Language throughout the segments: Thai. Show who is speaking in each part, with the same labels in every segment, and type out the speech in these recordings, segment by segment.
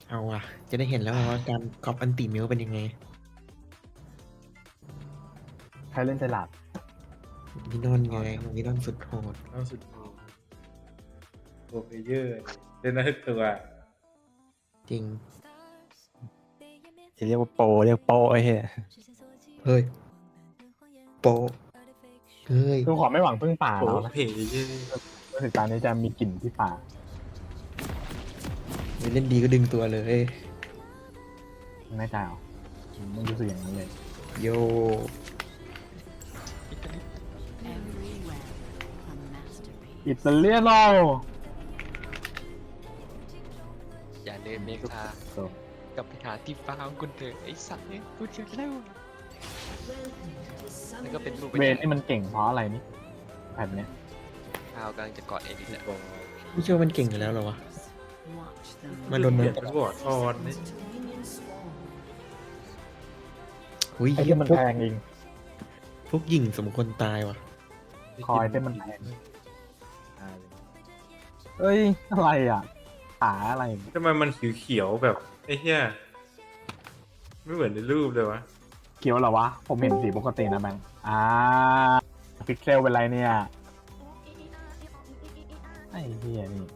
Speaker 1: เอาว่ะจะได้เห็นแล้วว่าการก๊อปอันติมิวเป็นยังไง
Speaker 2: ใครเล่นเจลาด
Speaker 1: มินอนไงมินอนสุดโหด
Speaker 3: เอาสุดโหดโปรเพลเยอร์เล่นได้ทุกตัว
Speaker 1: จริง
Speaker 4: จะเรียกว่าโปรเรียกโปรไอ้เหี้ย
Speaker 1: เฮ้ยโปะเฮ้ย
Speaker 2: คือขอไม่หวังพึ่งป่า
Speaker 3: โปร
Speaker 2: เรานะ
Speaker 3: เพลเยอร์
Speaker 2: รู้สึกตอนนี้จะมีกลิ่นที่ป่า
Speaker 1: เล่นดีก็ดึงตัวเลย
Speaker 2: ไม่ใจเหรอไม่รู้สึกอย่างนั้นเลย
Speaker 1: โย
Speaker 2: อิตาเลียโน
Speaker 5: อย่าเดินเมคากับไปหาที่ฟ้าของคุณเถอะไอ้สัตว์เนี่ยพูดเยอะแล้วแล้วก็เป็นรูป
Speaker 2: เวนนี่มันเก่งเพราะอะไรนี่แผ่นเนี้ย
Speaker 5: ข้าวกำลังจะกอดเอ็ดเนี่ย
Speaker 3: โปร
Speaker 1: ไม่เชื่อมันเก่งอยู่แล้วเหรอวะมันโดน
Speaker 3: เป
Speaker 1: เนิ
Speaker 3: ลี่ย
Speaker 1: ร์
Speaker 3: น
Speaker 1: ฟ
Speaker 3: เป็นบอร์ดออนนี่
Speaker 1: อุ้ย
Speaker 2: ไอ้
Speaker 1: เหี้
Speaker 2: ที่
Speaker 1: ย
Speaker 2: มัน
Speaker 1: พวก
Speaker 2: แพงเอง
Speaker 1: พวกหญิงสมควรตายว่ะ
Speaker 2: คอยที่มันแพงเอ้ยอะไรอ่ะขาอะไร
Speaker 3: ทำไมมันเขียวๆแบบไอ้เหี้ยไม่เหมือนในรูปเลยวะ
Speaker 2: เขียวเหรอวะ ผมเห็นสีปกตินะแบงค์พิกเซลเป็นไรเนี่ยไอ้เหี้ยนี่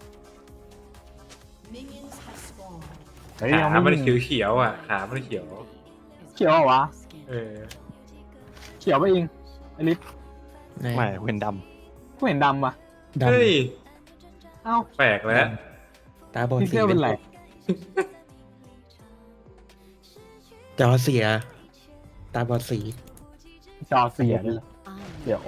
Speaker 2: เฮ้ย
Speaker 3: ขา
Speaker 2: ยัง
Speaker 3: มัน
Speaker 2: ไม่
Speaker 3: เขียวๆอ่ะขามันเขียว
Speaker 2: เขียวเหรอวะ
Speaker 3: เออ
Speaker 2: เขียวไปเองไอลิฟ
Speaker 1: ไหน
Speaker 4: ไม่เห็นด
Speaker 2: กูเห็นดำอ่ะ
Speaker 1: ด
Speaker 3: เฮ้ย
Speaker 2: เอ้า
Speaker 3: แปลกแล้ว
Speaker 1: ำตาบอด
Speaker 2: พิก
Speaker 1: สี
Speaker 2: เซลเป็นไร
Speaker 1: จอเสีย ตาบอดสี
Speaker 2: จอเสียด้วยเหรอเดี๋ยว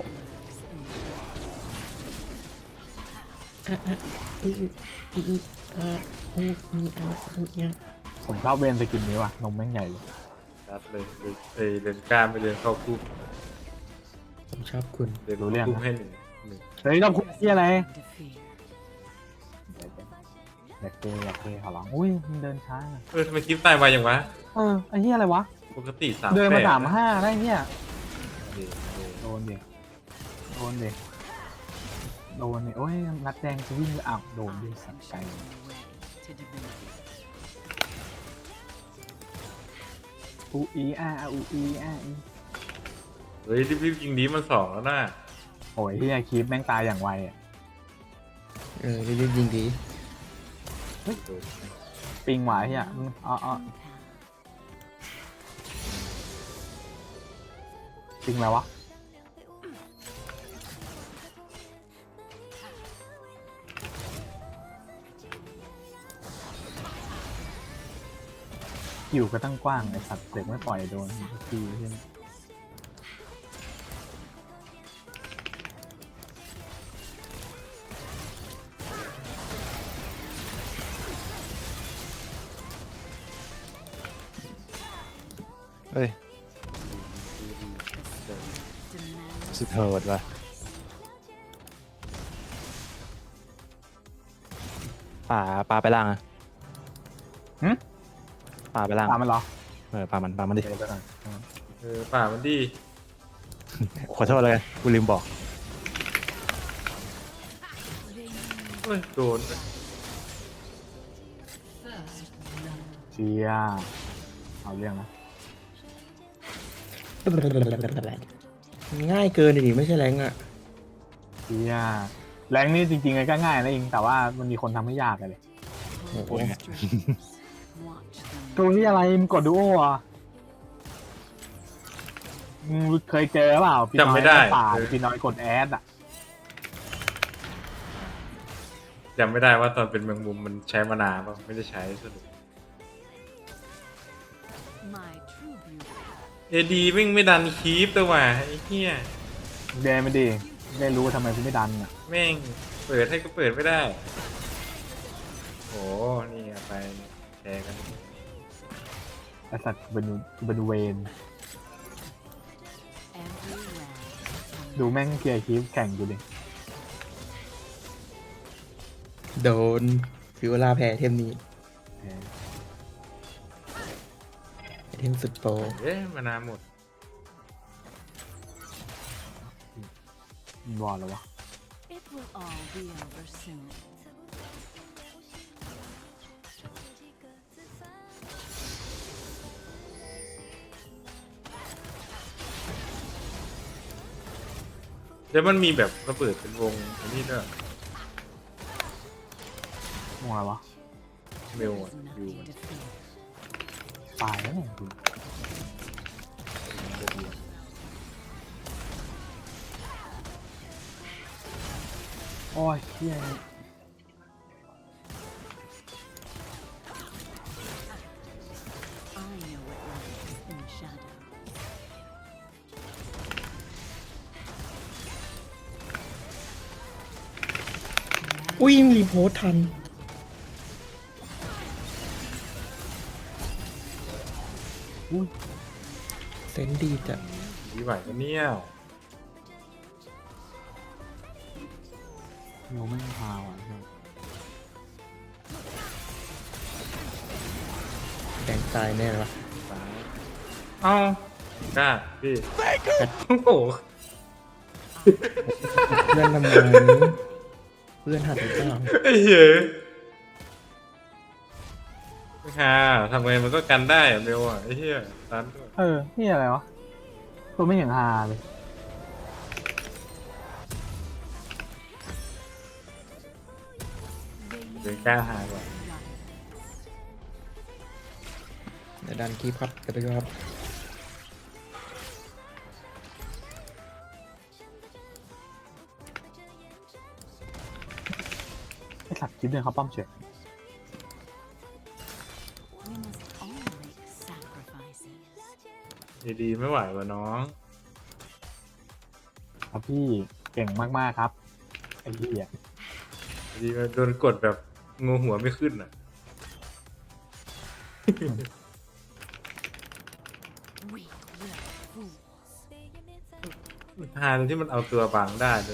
Speaker 2: ผมชอบเวนสกินนี้ว่ะนมแม่งใหญ่เลย
Speaker 3: รัดเลยเดินกล้ามไปเดินเข้าคุก
Speaker 1: ผมชอบคุณ
Speaker 3: เดินเข้าคุกให้หนึ่ง
Speaker 2: เฮ้ยต้องคุยที่อะไรอยากเกขอร้องอุ้ยมันเดินช้าอะ
Speaker 3: ทำไมคลิปตายไวอย่างวะ
Speaker 2: ไอ้เหี้ยอะไรวะ
Speaker 3: ปกติ3
Speaker 2: เดินมา
Speaker 3: 8
Speaker 2: 35ได้เนี่ย
Speaker 3: เดี๋ยว
Speaker 2: โดนดิโดนดิโดนดิโอ้ยนัดแดงจะวิ่งไปอ้าวโดนดิสับไก่อูอีอูอีอี
Speaker 3: เฮ้ยรีบๆยิงดีมัน2แล้วน่ะ
Speaker 2: โอ้ยที่คีปแม่งตายอย่างไวอ่ะ
Speaker 1: รีบๆยิงดี
Speaker 2: ปิงหวายเฮียปิงอะไรวะอยู่ก็ตั้งกว้างไอสัตว์เด็กไม่ปล่อยโดนทีใช่ไหม
Speaker 4: ำเอ้ยสุดโหดว่ะป่าไปล่างอะป่าไปล่าง
Speaker 2: ตามมันเหรอ
Speaker 4: ป่ามันดิ
Speaker 2: เดี๋ยวไปก่อน
Speaker 3: ป่ามันดี
Speaker 4: ขอโทษเลยกูลืมบอก
Speaker 3: เฮ้ยโดน
Speaker 2: เชียเอาเรื่องนะ
Speaker 1: ง่ายเกินดิไม่ใช่แรงอ่ะ
Speaker 2: เชียแรงนี่จริงๆก็ง่ายนะเองแต่ว่ามันมีคนทำให้ยากเลย
Speaker 1: โอ้โห
Speaker 2: ตัวนี้อะไรมึงกดดูโออ่ะมึงเคยเจอเปล่าพี่น้อยป่าพี่น้อยกดแอดอ่ะ
Speaker 3: จำไม่ได้ว่าตอนเป็นแมงมุมมันใช้มานานป่ะไม่ได้ใช้สรุปดีไม่ดันคีปตัวว่ะไอ้เหี้ย
Speaker 2: เดนไม่ดีได้รู้ทำไมกูไม่ดันอ่ะ
Speaker 3: แม่งเปิดให้ก็เปิดไม่ได้โอ้นี่ไปแชร์กัน
Speaker 2: ไอสัตว์เป็นเวนดูแม่งเกียร์คีฟแข่งกูดิ
Speaker 1: โดนฟิวลาแพ้เทมนี้เทมสุดโปร
Speaker 3: มานานหมด
Speaker 2: มันวอลแล้ววะ
Speaker 6: It will all be over soon.
Speaker 3: แล้วมันมีแบบระเบิดเป็นวงอันนี้ด้วย
Speaker 2: มัวอะไรวะ
Speaker 3: เมลอ่ะอยู่มัน
Speaker 2: ตายแล้วเนี่ยดูโอ้ยเฮีย
Speaker 1: อุ้ยรีโพสต์ทัน เซนส์ดีจัด
Speaker 3: ดีไหวปะเนี่ย
Speaker 2: โยไม่พาว่ะ
Speaker 1: แดงตายแน่เลยวะ
Speaker 3: ตายเอ้ากล้าพี่โอ้โห
Speaker 1: เพื่อนทำไมเพื่อนหัดหรือเปล่า
Speaker 3: ไอ้เหี้ยค่ะทำไงมันก็กันได้อะเมลอ่ะไอ้เหี้ยตันด้วย
Speaker 2: นี่อะไรวะตัวไม่เห็นฮาเลย
Speaker 3: เดี๋ยวกล้าหายว่ะ
Speaker 1: เดี๋ยวดันคีบครับเดี๋ยวไปดูครับ
Speaker 2: ไอสัตว์คิดเดินเขาป้อมเฉย
Speaker 3: ดีๆไม่ไหวว่ะน้อง
Speaker 2: ครับพี่เก่งมากๆครับไอ้เหี้ย
Speaker 3: ดีๆโดนกดแบบงูหัวไม่ขึ้นอ่ะทานที่มันเอาตัวบังได้เลย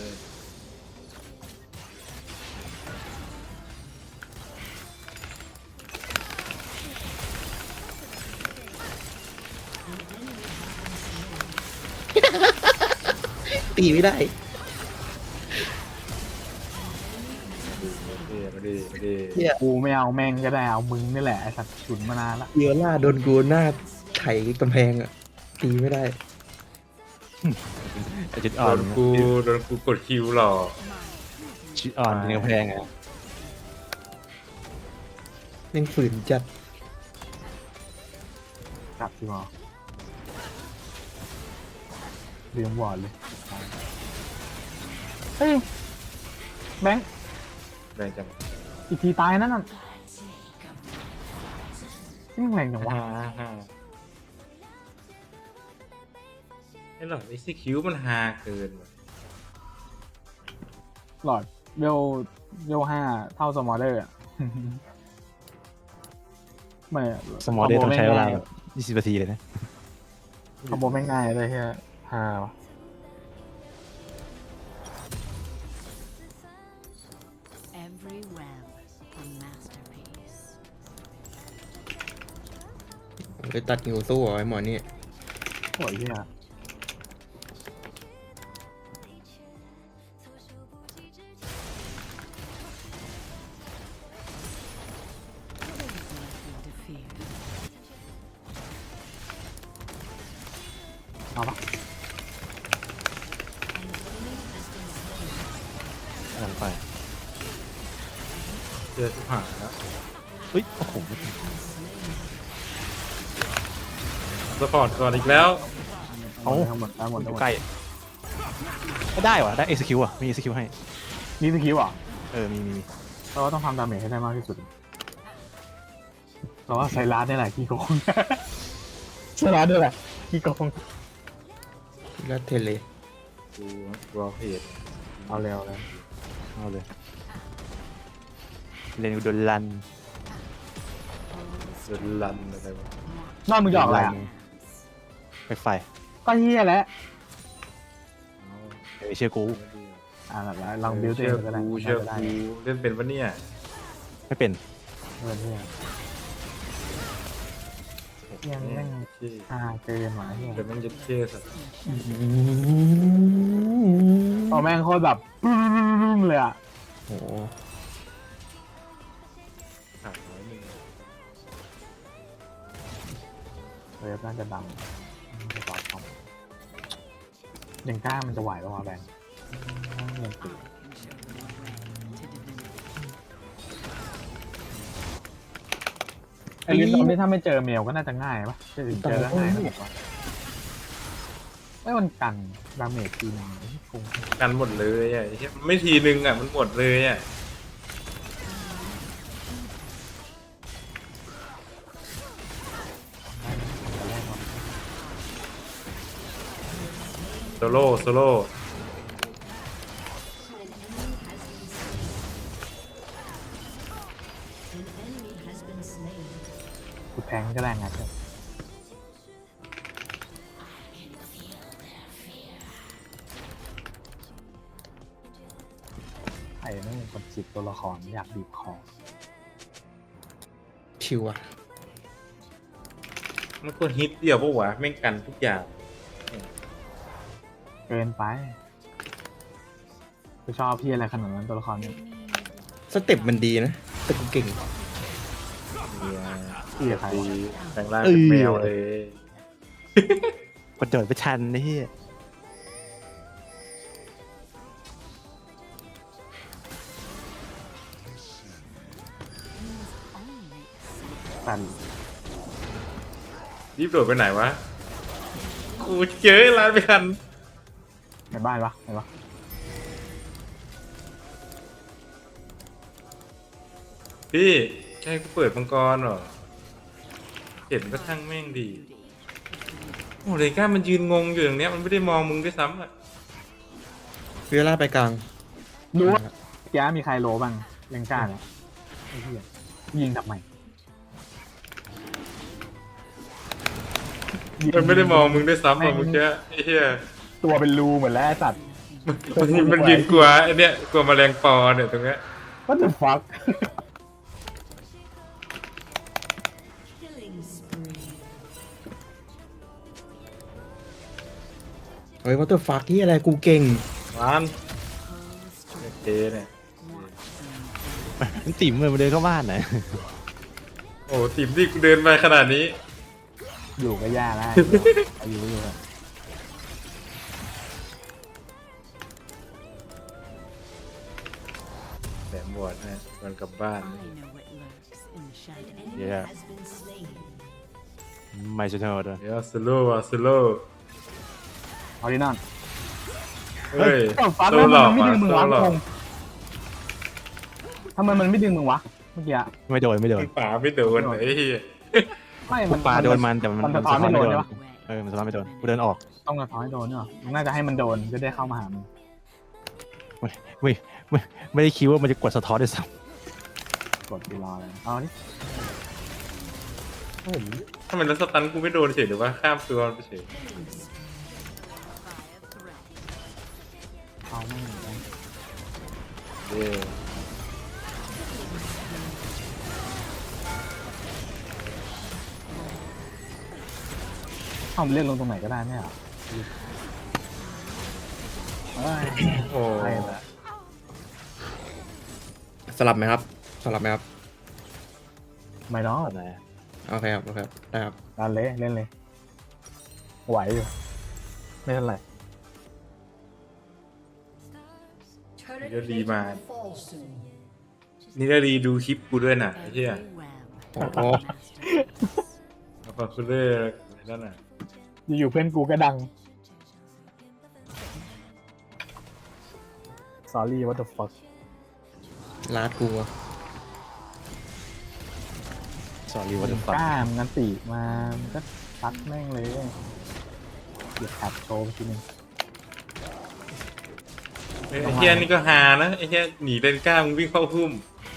Speaker 1: ตีไม่ได้
Speaker 3: มาดีมาดี
Speaker 1: เฮีย
Speaker 2: กูไม่เอาแม่งก็ได้เอามึงนี่แหละไอสัตว์ฉุนมานานละ
Speaker 1: เดียวล่าโดนกูหน้าไถกำแพงอะตีไม่ได้
Speaker 4: แต่จุด
Speaker 3: โด
Speaker 4: อ่อน
Speaker 3: นกูกดคิวหรอก
Speaker 4: จุดอ่อนเป็นกำแพงไง
Speaker 1: เล่นฝืนจัด
Speaker 2: กลับที่หมอเรียงวอร์ดเลยเฮ้ยแบงค์
Speaker 3: แรงจัง
Speaker 2: อีกทีตายนั่นน่ะนี่มันแรงจังวะ
Speaker 3: ไอ้หลอดไอซีคิวมันฮาเกินว่ะ
Speaker 2: หลอดเวล5เท่าสมอเดอร์อะ ไม่
Speaker 4: สมอลเดย์ต้องใช้เวลาแบบ20 นาทีเลยนะ
Speaker 2: คอมโบไม่ง่ายเลยเฮียฮาวะ
Speaker 6: Every web a masterpiece.
Speaker 1: ไปตัดหิวสู้เหรอไอ้หมอนี่
Speaker 2: โอ้ยเฮีย เอาปะ
Speaker 4: หลังไป
Speaker 3: เจอทุกหางแล้ว
Speaker 4: เฮ้ย โอ้โห
Speaker 3: สปอร์ตก่อนอีกแล้ว
Speaker 4: เอา
Speaker 2: ทั้งหมดทั้งหมด
Speaker 4: อ
Speaker 2: ทั้งห
Speaker 4: ยู่
Speaker 2: มด
Speaker 4: ใกล้ไม่ได้วะได้ execute อ่ะ มี execute ให้
Speaker 2: นี่สกิลเหรอ
Speaker 4: มี
Speaker 2: เราก็ต้องทำดาเมจให้ได้มากที่สุดเราว่าไซรัสนี่แหละขี้โกง ไซรัสนี่แหละขี้โกง
Speaker 1: แล้วเทเล
Speaker 3: กูรอเพจ
Speaker 2: เอาเร็วเลย
Speaker 4: เอาเลยเรนกูโดนลัน
Speaker 3: เดินลันอะไรวะ
Speaker 2: นอกมึงจะออกอะไรอ่ะ
Speaker 4: ไปไฟ
Speaker 2: ก็เฮียแหละ
Speaker 4: เชื่อกู
Speaker 2: แล้วลองบิวตัว
Speaker 3: เชื่
Speaker 2: เอ
Speaker 3: อง
Speaker 2: ก็ได้
Speaker 3: กูเชื่อ
Speaker 2: ได้
Speaker 3: กูเล่นเป็นปะเนี่ย
Speaker 4: ไม่เป็น
Speaker 2: เงินเฮียเฮียแม่ง
Speaker 3: เชี่ย
Speaker 2: เกินหมาเฮีย
Speaker 3: เดี๋ยวมันจะเชี่ยสัตว์
Speaker 2: เอาแม่งโคตรแบบเลยอ่ะ
Speaker 1: โอ้โห
Speaker 3: ขาดน้อยหนึ่ง
Speaker 2: เว็บน่าจะดังจะตอบคอมยังกล้ามันจะไหวป่าวะแบงค์ไอ้ลิ้นตอนนี้ถ้าไม่เจอเมลก็น่าจะง่ายปะจะถึงเจอแล้วง่ายนะผมว่าไม่มันกันดาเมจทีนึงคง
Speaker 3: กันหมดเลยอ่ะไอ้เหี้ยมันไม่ทีนึงอ่ะมันหมดเลยอ่ะโซโล่โซโล่
Speaker 2: กูแทงก็แรงงัดเลยไอ้นั่นคนจิตตัวละครอยากบีบคอ
Speaker 1: ชิวอะ
Speaker 3: มันควรฮิตเดียวปะวะแม่งกันทุกอย่าง
Speaker 2: เกินไปกูชอบพี่อะไรขนาดนั้นตัวละครเนี่ย
Speaker 1: สเต็ปมันดีนะ แต่กูเก่ง
Speaker 3: เนี่ย
Speaker 2: พี่กับใคร
Speaker 3: ดีแปลงร่างเป็นแมวเลย
Speaker 4: กดโดดไปชันไอ้เหี้ย
Speaker 2: ตัน
Speaker 3: รีบโดดไปไหนวะกูเจอร้านไม่ทัน
Speaker 2: ในบ้านปะไหนปะ
Speaker 3: พี่ใช่กูเปิดมังกรเหรอเห็นก็ช่างแม่งดีโอ้เลยก้ามันยืนงงอยู่อย่างเนี้ยมันไม่ได้มองมึงด้วยซ้ำอ่ะ
Speaker 1: เวลาไปกลาง
Speaker 2: รู้ว่าแกมีใครโลบ้างเลงก้าเนี่ยไอ้เหี้ยยิงทำไม
Speaker 3: มันไม่ได้มองมึงด้วยซ้ำอ่ะเมื่อกี้ไอ้เหี้ย
Speaker 2: ตัวเป็นรูเหมือนแล้วไอ้สัตว์
Speaker 3: มันยืนกลัวไอ้เนี้ยกลัวแมลงปอเนี่ยตรงเนี้ย
Speaker 2: What the fuck
Speaker 1: เฮ้ยวัตเตอร์ฟักที่อะไรกูเก่ง
Speaker 3: มันโอเคเนี่ย
Speaker 4: มันติ่มเลยมาเดินเข้าบ้านไหน
Speaker 3: โอ้ทีมที่กูเดินไปขนาดนี้
Speaker 2: อยู่ก็ยากแล้วอายุอยู่อะ
Speaker 3: แหลมบวชนะมันกลับบ้าน
Speaker 6: I know what lurks in the shadows.
Speaker 4: เหี้ยไม่ใช่เท่าด้วย
Speaker 3: เดี๋ยวสโลว์สโลว์
Speaker 2: เอาดินั่น
Speaker 3: เฮ้ย
Speaker 2: ก็ฟ้า
Speaker 3: โซ
Speaker 2: แล้ว
Speaker 3: หลอก
Speaker 2: มันไม่
Speaker 3: อ่ะ
Speaker 2: ดึงมึง
Speaker 3: โซ
Speaker 2: วะ
Speaker 3: หลอก
Speaker 2: คงทำไมมันไม่ดึงมึงวะเมื่อกี้อะ
Speaker 4: ไม่โดนไม่โดน
Speaker 3: ป่าไม่โดนไอ้เหี้ย
Speaker 2: ไม่
Speaker 4: กูปาโดนมันแต่มัน
Speaker 2: มัน
Speaker 4: มั
Speaker 2: สะ
Speaker 4: น
Speaker 2: ท้อน
Speaker 4: สะท้อน
Speaker 2: ไม่
Speaker 4: ไม่
Speaker 2: โด
Speaker 4: โด
Speaker 2: น
Speaker 4: น
Speaker 2: ใช่ปะ
Speaker 4: มันสะท้อนไม่โดนกูเดินออก
Speaker 2: ต้องสะท้อนให้โดนเนาะมึงน่าจะให้มันโดนจะได้เข้ามาหามึง
Speaker 4: ไม่ได้คิดว่ามันจะกดสะท้อนด้วยซ้
Speaker 2: กดดีรอเลยเอาดิ
Speaker 3: ถ้ามันแล้วสตันกูไม่โดนเฉยหรือว่าข้ามตัวมันไปเฉย
Speaker 2: เอาไม่ได้
Speaker 3: เย้
Speaker 2: เอาไปเล่นลงตรงไหนก็ได้ไม่เหรอเอ้ย
Speaker 3: โอ้
Speaker 2: ใช่ละ
Speaker 1: สลับไหมครับ สลับไหมครับ
Speaker 2: ไม่น้อง
Speaker 4: ำไหน
Speaker 1: โอเคครับ โอเคครับได้ครับ
Speaker 2: ดันเลยเล่นเลย ไหวอยู่ ไม่เท่าไหร่
Speaker 3: นี่ก็รีมา นี่ก็รีดูคลิปกูด้วยน่ะไอ้เหี้ย
Speaker 6: Every web
Speaker 1: Oh.
Speaker 6: of masterpiece.
Speaker 3: เอาฟาคูเลอร์นั่นน่ะ
Speaker 2: อยู่ๆเพื่อนกูก็ดัง sorry what the fuck
Speaker 1: ลาดกูอะ
Speaker 4: สอรี่ว่าจะฟัง
Speaker 2: กล้ามงันตีมามันก็ซัดแม่งเลยเดี๋ยวแคปโชว์ไปทีนึง
Speaker 3: ไอ้เหี้ยนี่ก็ฮานะไอ้เหี้ยหนีเลนก้ามึงวิ่งเข้าพุ่ม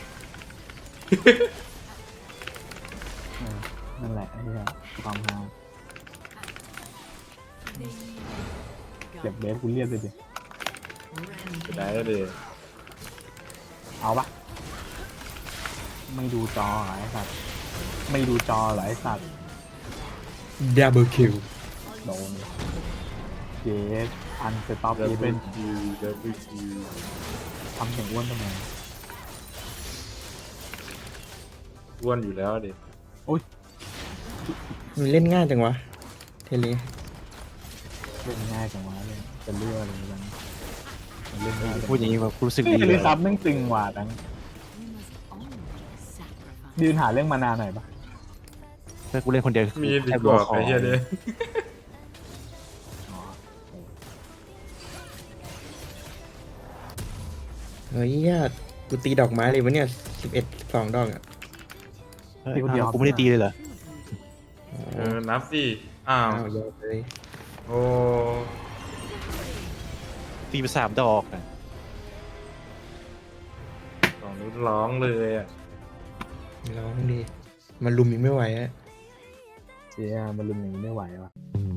Speaker 2: นั่นแหละไอ้เหี้ยความฮาเก็บเบสกูเรียบเลยดิ
Speaker 3: จะได้เลย
Speaker 2: เอาปะไม่ดูจอเหรอไอ้สัตว์ไม่ดูจอเหรอไอ้สัตว์
Speaker 1: ดับเบิลคิว
Speaker 2: โดนเยสอันสต็อป
Speaker 3: ดับ
Speaker 2: อี
Speaker 3: เบิ
Speaker 2: เว
Speaker 3: ล
Speaker 2: น
Speaker 3: คิวดับเบิลคิว
Speaker 2: ทำเสียงอ้วนทำไม
Speaker 3: อ้วนอยู่แล้วดิ
Speaker 1: มันเล่นง่ายจังวะ เทเล
Speaker 2: เล่นง่ายจังวะเลยจะเลือกอะไรกันเล่นได้
Speaker 4: พูดอย่างนี้แบบรู้สึก
Speaker 2: นี่
Speaker 4: ดีเล
Speaker 2: ลิ
Speaker 4: ย
Speaker 2: ซับแม่งตึงกว่าตั้ง
Speaker 6: We must always sacrifice.
Speaker 2: ยืนหาเรื่องมานานหน่อยปะ
Speaker 4: ถ้ากูเล่นคนเดียว
Speaker 3: มีดี
Speaker 4: แค่
Speaker 3: กว่า
Speaker 4: คอ
Speaker 3: ไอ้เหี้ยเนี่ย
Speaker 1: เฮ้ยญาติกูตีดอกไม้เลยวะเนี่ย11 12 ดอกอ่ะ
Speaker 4: เฮ้ยอ้าวกูไม่ได้ตีเลยเหรอ
Speaker 3: นับสิอ้าว
Speaker 1: อ้าวยอดเลย
Speaker 3: โอ้
Speaker 4: ตีไป3 ดอกอะ
Speaker 3: สองนิ้วร้องเลยอ่ะ
Speaker 1: ร้องดีมันลุมยังไม่ไหวอะ
Speaker 2: เจียมันลุมอย่างนี้ไม่ไหววะ